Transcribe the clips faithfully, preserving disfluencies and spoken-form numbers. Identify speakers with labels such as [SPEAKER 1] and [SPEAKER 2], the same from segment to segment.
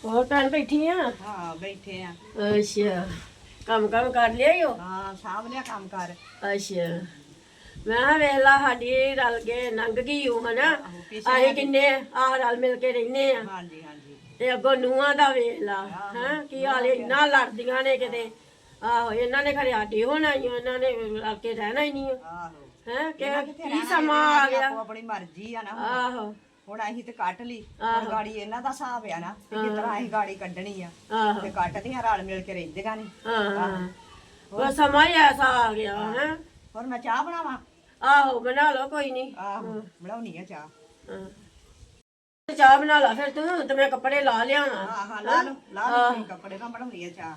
[SPEAKER 1] ਹੋਰ ਭੈਣ ਬੈਠੀ ਆ?
[SPEAKER 2] ਹਾਂ ਬੈਠੇ ਆ।
[SPEAKER 1] ਅੱਛਾ, ਕੰਮ ਕੰਮ ਕਰ ਲਿਆ ਈ ਓ?
[SPEAKER 2] ਹਾਂ ਸਾਂਭ ਲਿਆ ਕੰਮ ਕਰ।
[SPEAKER 1] ਅੱਛਾ, ਮੈਂ ਕਿਹਾ ਵੇਖ ਲਾ ਸਾਡੀ ਰਲ ਕੇ ਲੰਘ ਗਈ ਉਹ ਹਨਾ।
[SPEAKER 2] ਆਹੋ, ਪਿੱਛੇ
[SPEAKER 1] ਅਸੀਂ ਕਿੰਨੇ ਆਹ ਰਲ ਮਿਲ ਕੇ ਰਹਿੰਦੇ ਆ
[SPEAKER 2] ਹਾਂਜੀ ਹਾਂਜੀ
[SPEAKER 1] ਤੇ ਅੱਗੋਂ ਨੂੰਹਾਂ ਦਾ ਵੇਖ ਲਾ ਹੈ ਕੀ ਹਾਲ ਇੰਨਾ ਲੜਦੀਆਂ ਨੇ ਕਿਤੇ। ਆਹੋ ਇਹਨਾਂ ਨੇ ਖਰੇ ਆਡੀ ਹੋਣਾ ਹੀ ਇਹਨਾਂ ਨੇ ਰਲ ਕੇ ਰਹਿਣਾ ਹੀ ਨਹੀਂ
[SPEAKER 2] ਆਹੋ
[SPEAKER 1] ਹੈ ਕਿ
[SPEAKER 2] ਇਹਨਾਂ ਕਿੱਥੇ
[SPEAKER 1] ਕੀ
[SPEAKER 2] ਰਹਿਣਾ,
[SPEAKER 1] ਸਮਾਂ ਆ
[SPEAKER 2] ਇਹਨਾਂ ਦੀ
[SPEAKER 1] ਗਿਆ।
[SPEAKER 2] ਆਪੋ ਆਪਣੀ ਮਰਜ਼ੀ ਆ ਨਾ ਹੁਣ।
[SPEAKER 1] ਆਹੋ
[SPEAKER 2] ਹੁਣ ਅਸੀਂ ਤੇ ਕੱਟ ਲਈ, ਹੁਣ ਗਾੜੀ ਇਹਨਾਂ ਦਾ ਹਿਸਾਬ ਆ ਨਾ ਕਿ ਕਿਸ ਤਰ੍ਹਾਂ ਅਸੀਂ ਗਾੜੀ ਕੱਢਣੀ ਆ
[SPEAKER 1] ਆਹੋ
[SPEAKER 2] ਤੇ ਕੱਟਦੀਆਂ ਰਲ ਮਿਲ ਕੇ ਰਹਿੰਦੀਆਂ ਨੇ।
[SPEAKER 1] ਹਾਂ ਉਹ ਸਮਾਂ ਹੀ ਐਸਾ ਆ ਗਿਆ ਹੈ।
[SPEAKER 2] ਹੋਰ ਮੈਂ ਚਾਹ ਬਣਾਵਾਂ?
[SPEAKER 1] ਆਹੋ ਬਣਾ ਲਓ ਕੋਈ ਨਹੀਂ।
[SPEAKER 2] ਆਹੋ ਬਣਾਉਣੀ ਆ ਚਾਹ।
[SPEAKER 1] ਹਾਂ ਚਾਹ ਬਣਾ ਲਾ ਫਿਰ ਤੂੰ ਤੇ ਮੈਂ ਕੱਪੜੇ ਲਾ ਲਿਆਵਾਂ।
[SPEAKER 2] ਹਾਂ ਹਾਂ ਲਾ ਲਓ ਲਾ ਲਓ ਤੁਸੀਂ ਕੱਪੜੇ, ਮੈਂ ਬਣਾਉਣੀ ਆ ਚਾਹ।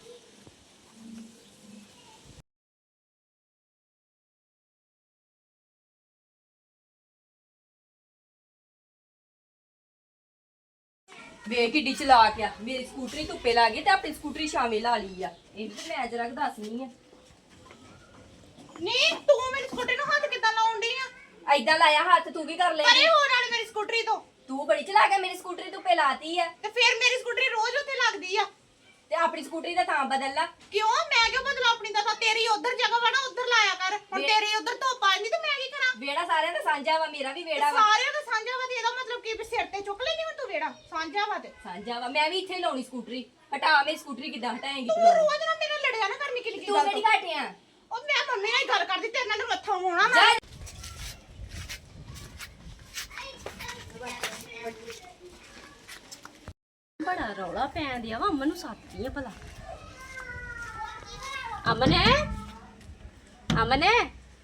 [SPEAKER 3] ਵੇ ਕਿੱਡੀ ਚਲਾਕ ਆ, ਮੇਰੀ ਸਕੂਟਰੀ ਧੁੱਪੇ ਲਾ ਗਈ ਤੇ ਆਪਣੀ ਸਕੂਟਰੀ ਛਾਵੇਂ ਲਾ ਲਈ ਆ। ਇਹ ਤੇ ਮੈਂ ਜਰਾ ਦੱਸਣੀ ਆ।
[SPEAKER 4] ਨਹੀਂ ਤੂੰ ਮੇਰੀ ਸਕੂਟਰੀ ਨੂੰ ਹੱਥ ਕਿੱਦਾਂ ਲਾਉਣ ਡਈ ਆ?
[SPEAKER 3] ਐਦਾਂ ਲਾਇਆ ਹੱਥ, ਤੂੰ ਕੀ ਕਰ
[SPEAKER 4] ਪਰੇ
[SPEAKER 3] ਲੈਂਦੀ?
[SPEAKER 4] ਹੋ ਨਾਲ ਮੇਰੀ ਸਕੂਟਰੀ ਤੋਂ।
[SPEAKER 3] ਤੂੰ ਬੜੀ ਚਲਾਕ ਆ, ਮੇਰੀ ਸਕੂਟਰੀ ਧੁੱਪੇ ਲਾਤੀ ਆ
[SPEAKER 4] ਤੇ ਫਿਰ ਮੇਰੀ ਸਕੂਟਰੀ ਰੋਜ਼ ਉੱਥੇ ਲੱਗਦੀ ਆ।
[SPEAKER 3] ਤੇ ਆਪਣੀ ਸਕੂਟਰੀ ਦਾ ਥਾਂ ਬਦਲ ਲਾ।
[SPEAKER 4] ਕਿਉਂ ਮੈਂ ਕਿਉਂ ਬਦਲਾ ਆਪਣੀ ਦਾ? ਤੇਰੀ ਉਧਰ ਜਗ੍ਹਾ ਵਾ ਨਾ, ਉਧਰ ਲਾਇਆ ਕਰ। ਹੁਣ
[SPEAKER 3] ਵੇ-
[SPEAKER 4] ਤੇਰੀ ਉਧਰ ਧੁੱਪ ਆ ਜਾਂਦੀ ਤੇ ਮੈਂ ਕੀ ਕਰਾਂ?
[SPEAKER 3] ਵੇੜਾ ਸਾਰਿਆਂ ਦਾ ਸਾਂਝਾ ਵਾ, ਮੇਰਾ ਵੀ ਵੇੜਾ ਵਾ।
[SPEAKER 4] ਸਾਰਿਆਂ ਦਾ ਸਾਂਝਾ ਵਾ ਤੇ ਇਹਦਾ ਮਤਲਬ ਕੀ ਵੀ ਸਿਰ ਤੇ ਚੁੱਕ ਲੈਣੀ ਹੁਣ ਤੂੰ ਵੇੜਾ ਸਾਂਝਾ ਵਾ ਤੇ।
[SPEAKER 3] ਸਾਂਝਾ ਵਾ, ਮੈਂ ਵੀ ਇੱਥੇ ਹੀ ਲਾਉਣੀ ਸਕੂਟਰੀ। ਹਟਾ ਮੇਰੀ ਸਕੂਟਰੀ ਕਿੱਦਾਂ ਹਟਾਏਂਗੀ
[SPEAKER 4] ਤੂੰ
[SPEAKER 3] ਤੂੰ?
[SPEAKER 4] ਰੋਜ਼ ਨਾ ਮੇਰੇ ਲੜਿਆ ਨਾ ਕਰ ਨਿੱਕੀ ਨਿੱਕੀ
[SPEAKER 3] ਤੂੰ
[SPEAKER 4] ਗੱਲ
[SPEAKER 3] ਕਿਹੜੀ
[SPEAKER 4] ਤੋਂ।
[SPEAKER 3] ਘਾਟਿਆ?
[SPEAKER 4] ਉਹ ਮੈਂ ਮੰਮੀ ਨਾਲ ਹੀ ਗੱਲ ਕਰਦੀ, ਤੇਰੇ ਨਾਲ ਮੱਥਾ ਹੋਣਾ
[SPEAKER 3] ਜਾ
[SPEAKER 4] ਮੈਂ।
[SPEAKER 3] ਬੜਾ ਰੌਲਾ ਪੈਣ ਦਿਆ ਵਾ, ਅਮਨ ਨੂੰ ਸਾਥੀ ਆ ਭਲਾ। ਅਮਨ ਹੈ, ਅਮਨ ਹੈ,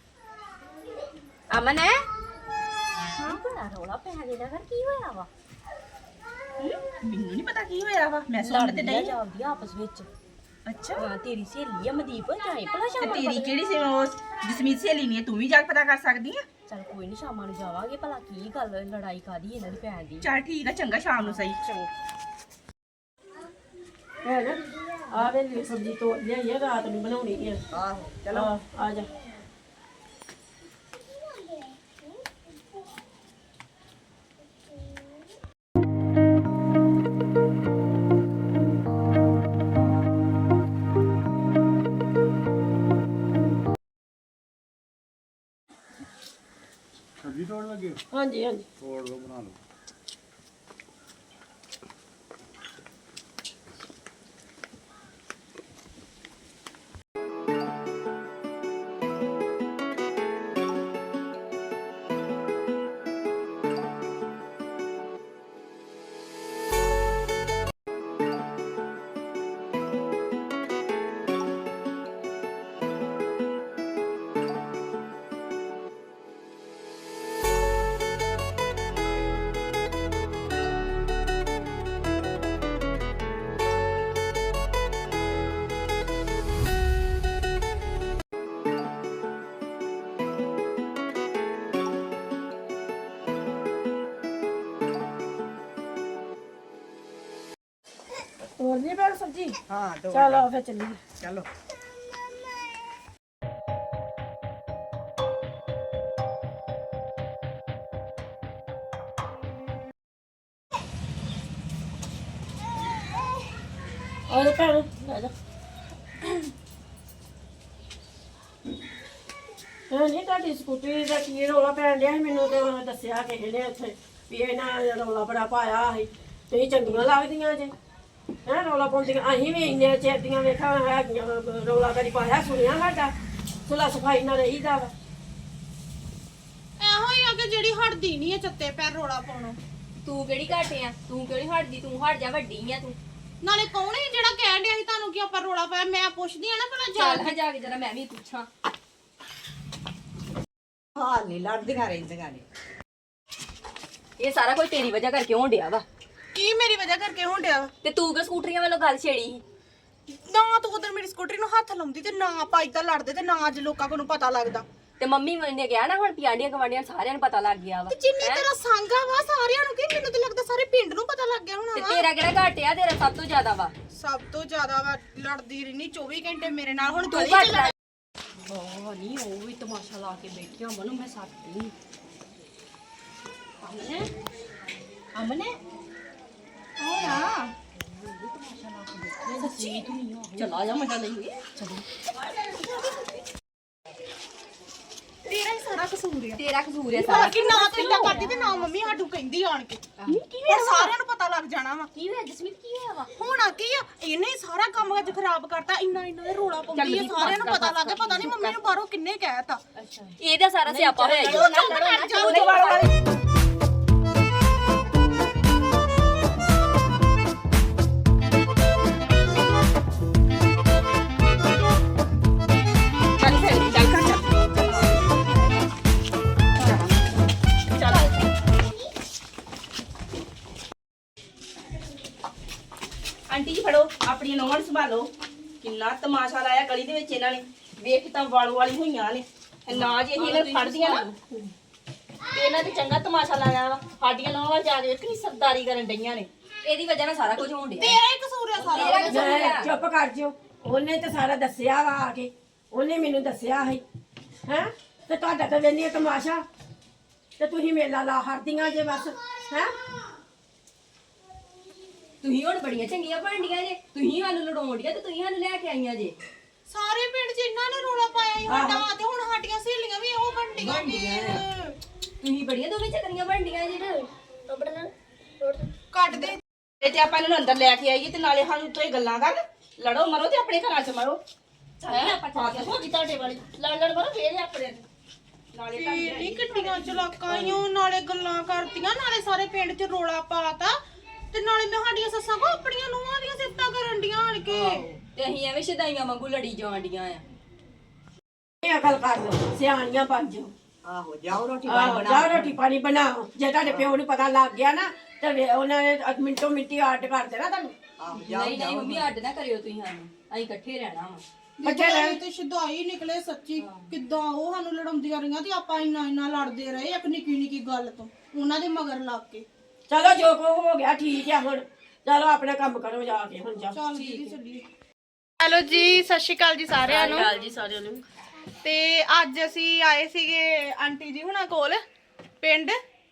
[SPEAKER 3] ਅਮਨ ਹੈ। ਹਾਂ ਬੜਾ ਰੌਲਾ ਪੈਣ ਦਿਆ ਕਰ, ਕੀ ਹੋਇਆ ਵਾ?
[SPEAKER 5] ਮੈਨੂੰ ਨਹੀਂ ਪਤਾ ਕੀ ਹੋਇਆ ਵਾ। ਮੈਂ ਸੁਣ ਤੇ
[SPEAKER 3] ਲੜਦੀਆਂ
[SPEAKER 5] ਨਹੀਂ।
[SPEAKER 3] ਜਾਂਦੀਆਂ ਆਪਸ ਵਿੱਚ।
[SPEAKER 5] ਅੱਛਾ
[SPEAKER 3] ਹਾਂ ਤੇਰੀ ਸਹੇਲੀ ਆ ਮਦੀਪ, ਜਾਏ ਭਲਾ
[SPEAKER 5] ਤੇ
[SPEAKER 3] ਸ਼ਾਮਾਂ ਨੂੰ
[SPEAKER 5] ਤੇਰੀ
[SPEAKER 3] ਪਤਾ-
[SPEAKER 5] ਕਿਹੜੀ ਸੀ ਉਹ ਜਸਮੀਤ ਸਹੇਲੀ ਨਹੀਂ ਹੈ, ਤੂੰ ਵੀ ਜਾ ਕੇ ਪਤਾ ਕਰ ਸਕਦੀ ਆ।
[SPEAKER 3] ਚੱਲ ਕੋਈ ਨਹੀਂ, ਸ਼ਾਮਾਂ ਨੂੰ ਜਾਵਾਂਗੇ ਭਲਾ ਕੀ ਗੱਲ ਲੜਾਈ ਕਾਦੀ ਇਹਨਾਂ ਦੀ ਭੈਣ ਦੀ।
[SPEAKER 5] ਚੱਲ ਠੀਕ ਆ, ਚੰਗਾ ਸ਼ਾਮ ਨੂੰ ਸਹੀ।
[SPEAKER 1] ਹੈ ਨਾ ਆ ਵੇ ਸਬਜ਼ੀ ਤੋੜ ਲਿਆਈ ਆ, ਰਾਤ ਨੂੰ ਬਣਾਉਣੀ ਆ।
[SPEAKER 2] ਆਹੋ
[SPEAKER 1] ਚਲੋ ਆ ਜਾ।
[SPEAKER 6] ਸਬਜ਼ੀ ਤੋੜ ਲੱਗੇ ਹੋ?
[SPEAKER 1] ਹਾਂਜੀ ਹਾਂਜੀ
[SPEAKER 6] ਤੋੜ ਲਓ, ਬਣਾ ਲਓ।
[SPEAKER 1] ਤੋੜ ਲਈ ਭੈਣ ਸਬਜ਼ੀ?
[SPEAKER 2] ਹਾਂ ਤੋੜ
[SPEAKER 1] ਚਲੋ
[SPEAKER 2] ਲਓ।
[SPEAKER 1] ਫਿਰ ਚੱਲੀਏ।
[SPEAKER 2] ਚਲੋ
[SPEAKER 1] ਆ ਜਾ ਭੈਣ ਲੈ ਜਾ। ਹਾਂ ਨਹੀਂ ਤੁਹਾਡੀ ਸਕੂਟਰੀ ਦਾ ਕੀ ਰੌਲਾ ਪੈਣ ਡਿਆ ਸੀ? ਮੈਨੂੰ ਤੇ ਉਹਨੇ ਦੱਸਿਆ ਕਿਸੇ ਨੇ ਉੱਥੇ ਵੀ ਇਹਨਾਂ ਰੌਲਾ ਬੜਾ ਪਾਇਆ ਸੀ। ਤੁਸੀਂ ਚੰਗੀਆਂ ਲੱਗਦੀਆਂ ਜੇ ਹੈਂ ਰੌਲਾ ਪਾਉਂਦੀਆਂ। ਅਸੀਂ ਵੀ ਇੰਨੇ ਚਿਰ ਦੀਆਂ ਵੇਖਾਂ ਹੈਗੀਆਂ ਰੌਲਾ ਕਦੀ ਪਾਇਆ ਸੁਣਿਆ ਸਾਡਾ। ਸੁਲਾ ਸਫਾਈ ਨਾਲ ਰਹੀਦਾ ਵਾ।
[SPEAKER 4] ਇਹੋ ਹੀ ਆ ਕਿ ਜਿਹੜੀ ਹਟਦੀ ਨਹੀਂ ਹੈ ਚੱਤੇ ਪੈਰ ਰੋਲਾ ਪਾਉਣੋਂ।
[SPEAKER 3] ਤੂੰ ਕਿਹੜੀ ਘਾਟੇ ਆ? ਤੂੰ ਕਿਹੜੀ ਹਟਦੀ? ਤੂੰ ਹਟ ਜਾ, ਵੱਡੀ ਆ ਤੂੰ।
[SPEAKER 4] ਨਾਲੇ ਕੌਣ ਹੈ ਜਿਹੜਾ ਕਹਿਣ ਡਿਆ ਸੀ ਤੁਹਾਨੂੰ ਕਿ ਆਪਾਂ ਰੋਲਾ ਪਾਇਆ? ਮੈਂ ਪੁੱਛਦੀ ਆ ਨਾ ਭਲਾ ਜਾ
[SPEAKER 3] ਚੱਲ ਹਾਂ ਜਾ ਕੇ ਜਰਾ ਮੈਂ ਵੀ ਪੁੱਛਾਂ।
[SPEAKER 2] ਹਾਲ ਨਹੀਂ ਲੜਦੀਆਂ ਰਹਿੰਦੀਆਂ ਨੇ।
[SPEAKER 3] ਇਹ ਸਾਰਾ ਕੁਝ ਤੇਰੀ ਵਜ੍ਹਾ ਕਰਕੇ ਹੋਣ ਡਿਆ ਵਾ।
[SPEAKER 4] ਕੀ ਮੇਰੀ ਵਜ੍ਹਾ ਕਰਕੇ ਹੋਣ ਡਿਆ ਵਾ?
[SPEAKER 3] ਤੇ ਤੂੰ ਕਿ ਸਕੂਟਰੀਆਂ ਵੱਲੋਂ ਗੱਲ ਛੇੜੀ ਸੀ।
[SPEAKER 4] ਨਾ ਤੂੰ ਉਧਰ ਮੇਰੀ ਸਕੂਟਰੀ ਨੂੰ ਹੱਥ ਲਾਉਂਦੀ ਤੇ ਨਾ ਆਪਾਂ ਏਦਾਂ ਲੜਦੇ ਤੇ ਨਾ ਅੱਜ ਲੋਕਾਂ ਕੋਲ ਨੂੰ ਪਤਾ ਲੱਗਦਾ।
[SPEAKER 3] ਤੇ ਮੰਮੀ ਨੇ ਕਿਹਾ ਨਾ ਹੁਣ ਪਿਆਂਡੀਆਂ ਗਵਾਂਡੀਆਂ ਸਾਰਿਆਂ ਨੂੰ ਪਤਾ ਲੱਗ ਗਿਆ ਵਾ।
[SPEAKER 4] ਤੇ ਜਿੰਨੀ
[SPEAKER 3] ਹੈਂ?
[SPEAKER 4] ਤੇਰਾ ਸੰਗਾ ਵਾ ਸਾਰਿਆਂ ਨੂੰ ਕੀ ਮੈਨੂੰ ਤੇ ਲੱਗਦਾ ਸਾਰੇ ਪਿੰਡ ਨੂੰ ਪਤਾ ਲੱਗ ਗਿਆ
[SPEAKER 3] ਤੇ
[SPEAKER 4] ਹੋਣਾ ਵਾ।
[SPEAKER 3] ਤੇਰਾ ਕਿਹੜਾ ਘਾਟਿਆ? ਤੇਰਾ ਸਭ ਤੋਂ ਜ਼ਿਆਦਾ ਵਾ।
[SPEAKER 4] ਸਭ ਤੋਂ ਜ਼ਿਆਦਾ ਵਾ ਲੜਦੀ ਰਹਿਣੀ ਚੌਵੀ ਘੰਟੇ ਮੇਰੇ ਨਾਲ। ਹੁਣ
[SPEAKER 3] ਤੂੰ
[SPEAKER 4] ਗਲੀ
[SPEAKER 3] ਘੱਟ
[SPEAKER 4] ਚ
[SPEAKER 3] ਲੜ।
[SPEAKER 4] ਲੜ-
[SPEAKER 3] ਉਹ ਨਹੀਂ, ਉਹ ਵੀ ਤਮਾਸ਼ਾ ਲਾ ਕੇ ਬੈਠੀਆਂ। ਮਨੂੰ ਮੈਂ ਸੱਤੀ ਅਮਨੇ ਅਮਨੇ
[SPEAKER 4] ਹੋਇਆ
[SPEAKER 3] ਸੱਚੀ ਚਲਾ ਜਾ ਮਜ਼ਾ ਲਈਏ
[SPEAKER 4] ਤੇਰਾ ਹੀ ਸਾਰਾ ਕਸੂਰ ਆ
[SPEAKER 3] ਤੇਰਾ ਕਸੂਰ ਹੈ ਸਾਰਾ
[SPEAKER 4] ਕਿ ਨਾ ਤੂੰ ਏਦਾਂ ਕਰਦੀ ਤੇ ਨਾ ਮੰਮੀ ਸਾਡੂ ਕਹਿੰਦੀ ਆਣ ਕੇ ਕੀ ਹੋਇਆ ਸਾਰਿਆਂ ਨੂੰ ਪਤਾ ਲੱਗ ਜਾਣਾ ਵਾ
[SPEAKER 3] ਕੀ ਹੋਇਆ ਜਸਮੀਤ ਕੀ ਹੋਇਆ ਵਾ
[SPEAKER 4] ਹੋਣਾ ਕੀ ਆ ਇਹਨੇ ਹੀ ਸਾਰਾ ਕੰਮ ਅੱਜ ਖਰਾਬ ਕਰਤਾ ਇੰਨਾ ਇੰਨਾ ਦੇ ਰੋਲਾ ਪਾਉਂਦੀ ਆ ਸਾਰਿਆਂ ਨੂੰ ਪਤਾ ਲੱਗ ਗਿਆ ਪਤਾ ਨਹੀਂ ਮੰਮੀ ਨੂੰ ਬਾਹਰੋਂ ਕਿੰਨੇ ਕਹਿਤਾ
[SPEAKER 3] ਇਹਦਾ ਸਾਰਾ ਸਿਆਪਾ ਹੋਇਆ ਜੀ ਚੱਲ ਫਿਰ ਚੱਲ ਕਰ ਚੱਲ
[SPEAKER 5] ਆਂਟੀ ਜੀ ਫੜੋ ਆਪਣੀਆਂ ਨੌਵਾਂ ਨੂੰ ਸੰਭਾਲੋ ਕਿੰਨਾ ਤਮਾਸ਼ਾ ਲਾਇਆ ਗਲੀ ਦੇ ਵਿੱਚ ਇਹਨਾਂ ਨੇ ਵੇਖ ਤਾਂ ਵਾਲੋ ਵਾਲੀ ਹੋਈਆਂ ਨੇ ਇਹ ਨਾ ਜੀ ਅਸੀਂ ਇਹਨਾਂ ਨੂੰ ਫੜਦੀਆਂ ਨਾ ਤੇ ਇਹਨਾਂ ਤੇ ਚੰਗਾ ਤਮਾਸ਼ਾ ਲਾਇਆ ਵਾ ਸਾਡੀਆਂ ਨੌਵਾਂ ਜਾ ਕੇ ਕਿੰਨੀ ਸਰਦਾਰੀ ਕਰਨ ਡਈਆਂ ਨੇ
[SPEAKER 3] ਇਹਦੀ ਵਜ੍ਹਾ ਨਾਲ ਸਾਰਾ ਕੁਝ ਹੋਣ ਡਿਆ
[SPEAKER 4] ਤੇਰਾ ਹੀ ਕਸੂਰ ਆ ਸਾਰਾ
[SPEAKER 3] ਤੇਰਾ ਕਸੂਰ
[SPEAKER 1] ਮੈਂ
[SPEAKER 3] ਆ
[SPEAKER 1] ਚੁੱਪ ਕਰ ਜਿਓ ਉਹਨੇ ਤੇ ਸਾਰਾ ਦੱਸਿਆ ਵਾ ਆ ਕੇ ਉਹਨੇ ਮੈਨੂੰ ਦੱਸਿਆ ਹੈ ਹੈ ਤੇ ਤੁਹਾਡਾ ਤਾਂ ਵੇਨੀ ਤਮਾਸ਼ਾ ਤੇ ਤੁਸੀਂ ਮੇਲਾ ਲਾ ਹਰਦੀਆਂ ਜੇ ਬਸ ਹੈ
[SPEAKER 3] ਤੁਸੀਂ ਹੁਣ ਬੜੀਆਂ ਚੰਗੀਆਂ ਬਣਦੀਆਂ ਜੇ ਤੁਸੀਂ ਸਾਨੂੰ ਲੜਾਉਂਦੀਆਂ ਤੇ ਤੁਸੀਂ ਸਾਨੂੰ ਲੈ ਕੇ ਆਈਆਂ ਜੇ
[SPEAKER 4] ਸਾਰੇ ਪਿੰਡ 'ਚ ਇਹਨਾਂ ਨੇ ਰੋਲਾ ਪਾਇਆ ਹੀ ਵੱਡਾ ਤੇ ਹੁਣ ਸਾਡੀਆਂ ਸਹੇਲੀਆਂ ਵੀ ਇਹੋ ਬੰਡੀਆਂ ਨੇ
[SPEAKER 3] ਤੁਸੀਂ ਬੜੀਆਂ ਦੋਵੇਂ ਚੱਕਰੀਆਂ ਬਣਦੀਆਂ ਜੇ
[SPEAKER 4] ਕੱਟ ਦੇ
[SPEAKER 5] ਇਹ ਤੇ ਆਪਾਂ ਇਹਨਾਂ ਨੂੰ ਅੰਦਰ ਲੈ ਕੇ ਆਈਏ ਤੇ ਨਾਲੇ ਸਾਨੂੰ ਤੋਂ ਇਹ ਗੱਲਾਂ ਕਰ ਲੜੋ ਮਰੋ ਤੇ ਆਪਣੇ ਘਰਾਂ 'ਚ ਮਰੋ ਹੈ ਆਪਾਂ ਚੱਲ ਹੋ ਗਈ ਤੁਹਾਡੇ ਵਾਲੀ ਲੜ ਲੜ ਮਰੋ ਫੇਰ ਆਪਣੇ ਨਾਲੇ ਤਾਂ
[SPEAKER 4] ਇਹ ਕਿੱਡੀਆਂ ਚਲਾਕਾਂ ਈ ਓ, ਨਾਲੇ ਗੱਲਾਂ ਕਰਦੀਆਂ ਨਾਲੇ ਸਾਰੇ ਪਿੰਡ 'ਚ ਰੋਲਾ ਪਾਤਾ ਤੇ ਨਾਲੇ ਮੈਂ ਸਾਡੀਆਂ ਸੱਸਾਂ ਕੋ ਆਪਣੀਆਂ ਨੂੰਹਾਂ ਦੀਆਂ ਸਿਫਤਾਂ ਕਰਨ ਡੀਆਂ ਆਣ ਕੇ
[SPEAKER 3] ਤੇ ਅਸੀਂ ਐਵੇਂ ਸ਼ਦਾਈਆਂ ਵਾਂਗੂ ਲੜੀ ਜਾਂਦੀਆਂ ਆ
[SPEAKER 1] ਇਹ ਅਕਲ ਕਰ ਲਓ ਸਿਆਣੀਆਂ ਬਣ ਜਾਓ
[SPEAKER 2] ਆਹੋ ਜਾਓ ਰੋਟੀ
[SPEAKER 1] ਆਹੋ ਜਾ ਰੋਟੀ ਪਾਣੀ ਬਣਾਓ ਜੇ ਤੁਹਾਡੇ ਪਿਓ ਨੂੰ ਪਤਾ ਲੱਗ ਗਿਆ ਨਾ ਤੇ ਵੇ- ਉਹਨਾਂ ਨੇ ਅਧ ਮਿੰਟੋ ਮਿੰਟੀ ਆਰਟ ਕਰ ਦੇਣਾ ਤੁਹਾਨੂੰ
[SPEAKER 2] ਆਹੋ
[SPEAKER 3] ਨਹੀਂ ਨਹੀਂ ਮੰਮੀ ਅੱਡ ਨਾ ਕਰਿਓ ਤੁਸੀਂ ਸਾਨੂੰ ਅਸੀਂ ਇਕੱਠੇ ਰਹਿਣਾ ਵਾ
[SPEAKER 1] ਬੱਚੇ ਰਹਿਣ
[SPEAKER 4] ਤੇ ਸ਼ਦਾਈ ਨਿਕਲੇ ਸੱਚੀ ਕਿੱਦਾਂ ਉਹ ਸਾਨੂੰ ਲੜਾਉਂਦੀਆਂ ਰਹੀਆਂ ਤੇ ਆਪਾਂ ਇੰਨਾ ਇੰਨਾ ਲੜਦੇ ਰਹੇ ਇੱਕ ਨਿੱਕੀ ਨਿੱਕੀ ਗੱਲ ਤੋਂ ਉਹਨਾਂ ਦੇ ਮਗਰ ਲੱਗ ਕੇ
[SPEAKER 1] ਚਲੋ ਜੋ ਕੋ ਹੋ ਗਿਆ ਠੀਕ ਆ ਹੁਣ ਚਲੋ ਆਪਣਾ ਕੰਮ ਕਰੋ ਜਾ ਕੇ ਹੁਣ ਜਾ
[SPEAKER 4] ਚੱਲ ਦੀਦੀ ਚੱਲੀਏ ਹੈਲੋ ਜੀ ਸਤਿ ਸ਼੍ਰੀ ਅਕਾਲ ਜੀ ਸਾਰਿਆਂ ਨੂੰ
[SPEAKER 1] ਜੀ ਸਾਰਿਆਂ ਨੂੰ
[SPEAKER 4] ਤੇ ਅੱਜ ਅਸੀਂ ਆਏ ਸੀਗੇ ਆਂਟੀ ਜੀ ਹੁਣਾਂ ਕੋਲ ਪਿੰਡ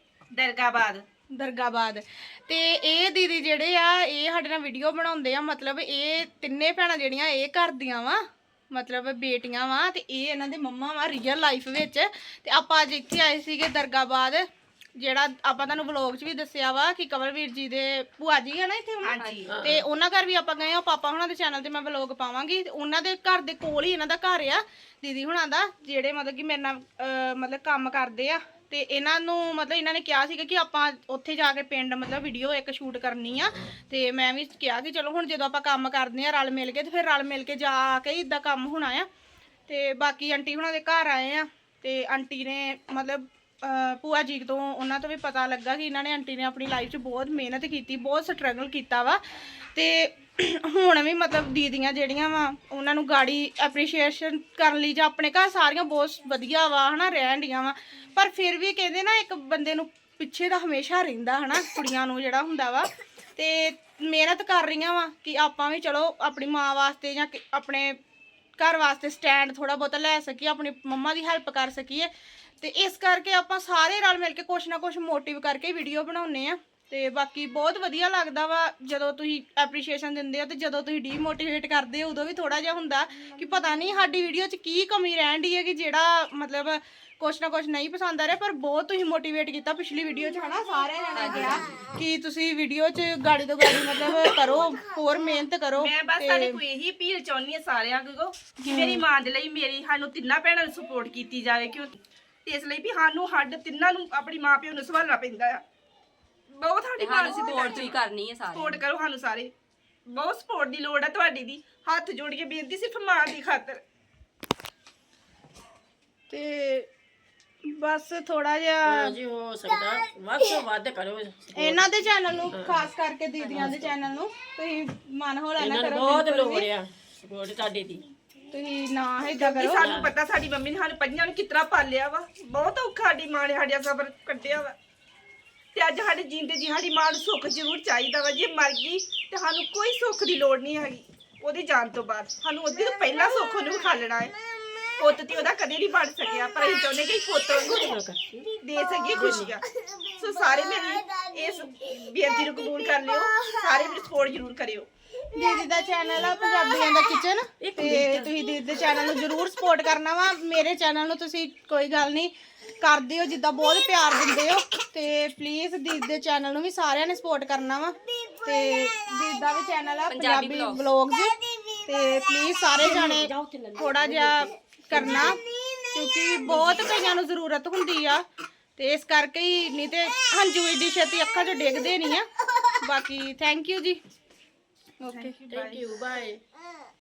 [SPEAKER 5] ਦਰਗਾਬਾਦ
[SPEAKER 4] ਦਰਗਾਬਾਦ ਤੇ ਇਹ ਦੀਦੀ ਜਿਹੜੇ ਆ ਇਹ ਸਾਡੇ ਨਾਲ ਵੀਡੀਓ ਬਣਾਉਂਦੇ ਆ ਮਤਲਬ ਇਹ ਤਿੰਨੇ ਭੈਣਾਂ ਜਿਹੜੀਆਂ ਇਹ ਕਰਦੀਆਂ ਵਾ ਮਤਲਬ ਬੇਟੀਆਂ ਵਾ ਤੇ ਇਹ ਇਹਨਾਂ ਦੇ ਮੰਮਾ ਵਾ ਰੀਅਲ ਲਾਈਫ ਵਿੱਚ ਤੇ ਆਪਾਂ ਅੱਜ ਇੱਥੇ ਆਏ ਸੀਗੇ ਦਰਗਾਬਾਦ ਜਿਹੜਾ ਆਪਾਂ ਤੁਹਾਨੂੰ ਵਲੌਗ 'ਚ ਵੀ ਦੱਸਿਆ ਵਾ ਕਿ ਕਮਲਵੀਰ ਜੀ ਦੇ ਭੂਆ ਜੀ ਆ ਨਾ ਇੱਥੇ
[SPEAKER 5] ਹਾਂਜੀ
[SPEAKER 4] ਤੇ ਉਹਨਾਂ ਘਰ ਵੀ ਆਪਾਂ ਗਏ ਆ ਪਾਪਾ ਹੁਣਾਂ ਦੇ ਚੈਨਲ ਤੇ ਮੈਂ ਵਲੌਗ ਪਾਵਾਂਗੀ ਤੇ ਉਹਨਾਂ ਦੇ ਘਰ ਦੇ ਕੋਲ ਹੀ ਇਹਨਾਂ ਦਾ ਘਰ ਆ ਦੀਦੀ ਹੁਣਾਂ ਦਾ ਜਿਹੜੇ ਮਤਲਬ ਕਿ ਮੇਰੇ ਨਾਲ ਅਹ ਮਤਲਬ ਕੰਮ ਕਰਦੇ ਆ ਤੇ ਇਹਨਾਂ ਨੂੰ ਮਤਲਬ ਇਹਨਾਂ ਨੇ ਕਿਹਾ ਸੀਗਾ ਕਿ ਆਪਾਂ ਉੱਥੇ ਜਾ ਕੇ ਪਿੰਡ ਮਤਲਬ ਵੀਡੀਓ ਇੱਕ ਸ਼ੂਟ ਕਰਨੀ ਆ ਤੇ ਮੈਂ ਵੀ ਕਿਹਾ ਕਿ ਚਲੋ ਹੁਣ ਜਦੋਂ ਆਪਾਂ ਕੰਮ ਕਰਦੇ ਆ ਰਲ ਮਿਲ ਕੇ ਤੇ ਫਿਰ ਰਲ ਮਿਲ ਕੇ ਜਾ ਕੇ ਇਦਾਂ ਕੰਮ ਹੋਣਾ ਆ ਤੇ ਬਾਕੀ ਆਂਟੀ ਹੁਣਾਂ ਦੇ ਘਰ ਆਏ ਆ ਤੇ ਆਂਟੀ ਨੇ ਮਤਲਬ ਭੂਆ ਜੀ ਤੋਂ ਉਹਨਾਂ ਤੋਂ ਵੀ ਪਤਾ ਲੱਗਾ ਕਿ ਇਹਨਾਂ ਨੇ ਆਂਟੀ ਨੇ ਆਪਣੀ ਲਾਈਫ 'ਚ ਬਹੁਤ ਮਿਹਨਤ ਕੀਤੀ ਬਹੁਤ ਸਟਰਗਲ ਕੀਤਾ ਵਾ ਤੇ ਹੁਣ ਵੀ ਮਤਲਬ ਦੀਦੀਆਂ ਜਿਹੜੀਆਂ ਵਾ ਉਹਨਾਂ ਨੂੰ ਗਾੜੀ ਐਪਰੀਸ਼ੀਏਸ਼ਨ ਕਰਨ ਲਈ ਜਾਂ ਆਪਣੇ ਘਰ ਸਾਰੀਆਂ ਬਹੁਤ ਵਧੀਆ ਵਾ ਹਨਾ ਰਹਿਣ ਡੀਆਂ ਵਾ ਪਰ ਫਿਰ ਵੀ ਕਹਿੰਦੇ ਨਾ ਇੱਕ ਬੰਦੇ ਨੂੰ ਪਿੱਛੇ ਦਾ ਹਮੇਸ਼ਾ ਰਹਿੰਦਾ ਹਨਾ ਕੁੜੀਆਂ ਨੂੰ ਜਿਹੜਾ ਹੁੰਦਾ ਵਾ ਤੇ ਮਿਹਨਤ ਕਰ ਰਹੀਆਂ ਵਾ ਕਿ ਆਪਾਂ ਵੀ ਚਲੋ ਆਪਣੀ ਮਾਂ ਵਾਸਤੇ ਜਾਂ ਆਪਣੇ ਘਰ ਵਾਸਤੇ ਸਟੈਂਡ ਥੋੜਾ ਬਹੁਤਾ ਲੈ ਸਕੀਏ ਆਪਣੀ ਮੰਮਾ ਦੀ ਹੈਲਪ ਕਰ ਸਕੀਏ ਤੇ ਇਸ ਕਰਕੇ ਆਪਾਂ ਸਾਰੇ ਰਲ ਮਿਲ ਕੇ ਕੁਛ ਨਾ ਕੁਛ ਮੋਟਿਵ ਕਰਕੇ ਵੀਡੀਓ ਬਣਾਉਂਦੇ ਆ ਤੇ ਬਾਕੀ ਬਹੁਤ ਵਧੀਆ ਲੱਗਦਾ ਵਾ ਜਦੋਂ ਤੁਸੀਂ ਐਪਰੀਸ਼ੀਏਸ਼ਨ ਦਿੰਦੇ ਹੋ ਤੇ ਜਦੋਂ ਤੁਸੀਂ ਡੀਮੋਟੀਵੇਟ ਕਰਦੇ ਹੋ ਉਦੋਂ ਵੀ ਥੋੜਾ ਜਿਹਾ ਹੁੰਦਾ ਕਿ ਪਤਾ ਨਹੀਂ ਸਾਡੀ ਵੀਡੀਓ 'ਚ ਕੀ ਕਮੀ ਰਹਿਣ ਦੀ ਹੈ ਕਿ ਜਿਹੜਾ ਮਤਲਬ ਕੁਛ ਨਾ ਕੁਛ ਨਹੀਂ ਪਸੰਦ ਆ ਰਿਹਾ ਪਰ ਬਹੁਤ ਤੁਸੀਂ ਮੋਟੀਵੇਟ ਕੀਤਾ ਪਿਛਲੀ ਵੀਡੀਓ 'ਚ ਹਨਾ ਸਾਰਿਆਂ ਨੇ ਕਿਹਾ ਕਿ ਤੁਸੀਂ ਵੀਡੀਓ 'ਚ ਗਾੜੀ ਤੋਂ ਗਾੜੀ ਮਤਲਬ ਕਰੋ ਹੋਰ ਮਿਹਨਤ ਕਰੋ
[SPEAKER 5] ਮੈਂ ਬਸ ਤੁਹਾਡੇ ਕੋਈ ਇਹੀ ਅਪੀਲ ਚਾਹੁੰਦੀ ਆ ਸਾਰਿਆਂ ਕੋਲ ਕਿ ਮੇਰੀ ਮਾਂ ਦੇ ਲਈ ਮੇਰੀ ਸਾਨੂੰ ਤਿੰਨਾਂ ਭੈਣਾਂ ਨੂੰ ਸਪੋਰਟ ਕੀਤੀ ਜਾਵੇ ਕਿਉਂ ਤੇ ਇਸ ਲਈ ਵੀ ਸਾਨੂੰ ਹੱਡ ਤਿੰਨਾਂ ਨੂੰ ਆਪਣੀ ਮਾਂ ਪਿਓ ਨੂੰ ਸੰਭਾਲਣਾ ਪੈਂਦਾ ਆ ਬਹੁਤ ਸਾਡੀ ਮਾਂ ਨੂੰ
[SPEAKER 3] ਸਪੋਰਟ ਤੁਸੀਂ ਕਰਨੀ ਹੈ ਸਾਰੇ
[SPEAKER 5] ਸਪੋਰਟ ਕਰੋ ਸਾਨੂੰ ਸਾਰੇ ਬਹੁਤ ਸਪੋਰਟ ਦੀ ਲੋੜ ਆ ਤੁਹਾਡੀ ਦੀ ਹੱਥ ਜੋੜ ਕੇ ਬੇਨਤੀ ਸਿਰਫ ਮਾਂ ਦੀ ਖਾਤਰ
[SPEAKER 4] ਤੇ ਬਸ ਥੋੜਾ ਜਿਹਾ
[SPEAKER 1] ਜੀ ਹੋ ਸਕਦਾ ਵੱਧ ਤੋਂ ਵੱਧ ਕਰੋ
[SPEAKER 4] ਇਹਨਾਂ ਦੇ ਚੈਨਲ ਨੂੰ ਖਾਸ ਕਰਕੇ ਦੀਦੀਆਂ ਦੇ ਚੈਨਲ ਨੂੰ ਤੁਸੀਂ ਮਨ ਹੌਲਾ ਨਾ
[SPEAKER 1] ਇਹਨਾਂ ਨੂੰ
[SPEAKER 4] ਕਰੋ
[SPEAKER 1] ਬਹੁਤ
[SPEAKER 4] ਬਿਲਕੁਲ
[SPEAKER 1] ਲੋੜ
[SPEAKER 4] ਵੀ।
[SPEAKER 1] ਆ ਸਪੋਰਟ ਤੁਹਾਡੇ ਦੀ
[SPEAKER 4] ਤੁਸੀਂ ਨਾ ਏਦਾਂ
[SPEAKER 5] ਕਿ
[SPEAKER 4] ਕਰੋ
[SPEAKER 5] ਸਾਨੂੰ ਪਤਾ ਸਾਡੀ ਮੰਮੀ ਨੇ ਸਾਨੂੰ ਪੰਜਾਂ ਨੂੰ ਕਿਤਨਾ ਪਾਲਿਆ ਵਾ ਬਹੁਤ ਔਖਾ ਸਾਡੀ ਮਾਂ ਨੇ ਸਾਡਾ ਸਬਰ ਕੱਢਿਆ ਵਾ ਤੇ ਅੱਜ ਸਾਡੇ ਜੀਂਦੇ ਜੀ ਸਾਡੀ ਮਾਂ ਨੂੰ ਸੁੱਖ ਜ਼ਰੂਰ ਚਾਹੀਦਾ ਵਾ ਜੇ ਮਰ ਗਈ ਤੇ ਸਾਨੂੰ ਕੋਈ ਸੁੱਖ ਦੀ ਲੋੜ ਨਹੀਂ ਹੈਗੀ ਉਹਦੀ ਜਾਣ ਤੋਂ ਬਾਅਦ ਸਾਨੂੰ ਉਹਦੇ ਤੋਂ ਪਹਿਲਾਂ ਸੁੱਖ ਉਹਨੂੰ ਖਾਲਣਾ ਹੈ ਪੁੱਤ ਤੇ ਉਹਦਾ ਕਦੇ ਨਹੀਂ ਬਣ ਸਕਿਆ ਪਰ ਅਸੀਂ ਚਾਹੁੰਦੇ ਕਿ ਪੁੱਤ ਉਹਨੂੰ ਦੇ ਸਕੀਏ ਖੁਸ਼ੀਆਂ ਸੋ ਸਾਰੇ ਮੇਰੀ ਇਸ ਬੇਨਤੀ ਨੂੰ ਕਬੂਲ ਕਰ ਲਿਓ ਸਾਰੇ ਮੇਰੀ ਸਪੋਰਟ ਜ਼ਰੂਰ ਕਰਿਓ
[SPEAKER 4] ਦੀਦੀ ਦਾ ਚੈਨਲ ਆ ਪੰਜਾਬੀਆਂ ਦਾ ਕਿਚਨ, ਤੇ ਤੁਸੀਂ ਦੀਦੀ ਦੇ ਚੈਨਲ ਨੂੰ ਜ਼ਰੂਰ ਸਪੋਰਟ ਕਰਨਾ ਵਾ। ਮੇਰੇ ਚੈਨਲ ਨੂੰ ਤੁਸੀਂ ਕੋਈ ਗੱਲ ਨਹੀਂ ਕਰਦੇ ਹੋ, ਜਿੱਦਾਂ ਬਹੁਤ ਪਿਆਰ ਦਿੰਦੇ ਹੋ, ਤੇ ਪਲੀਜ਼ ਦੀਦੀ ਦੇ ਚੈਨਲ ਨੂੰ ਵੀ ਸਾਰਿਆਂ ਨੇ ਸਪੋਰਟ ਕਰਨਾ ਵਾ। ਤੇ ਦੀਦੀ ਦਾ ਵੀ ਚੈਨਲ ਆ ਪੰਜਾਬੀ ਵਲੌਗਸ, ਤੇ ਪਲੀਜ਼ ਸਾਰੇ ਜਾਣੇ ਥੋੜਾ ਜਿਹਾ ਕਰਨਾ, ਕਿਉਂਕਿ ਬਹੁਤ ਕਈਆਂ ਨੂੰ ਜ਼ਰੂਰਤ ਹੁੰਦੀ ਆ, ਤੇ ਇਸ ਕਰਕੇ ਹੀ, ਨਹੀਂ ਤੇ ਹੰਝੂ ਏਡੀ ਛੇਤੀ ਅੱਖਾਂ 'ਚੋਂ ਡਿੱਗਦੇ ਨਹੀਂ ਆ। ਬਾਕੀ ਥੈਂਕ ਯੂ ਜੀ। Okay,
[SPEAKER 1] thank you, bye.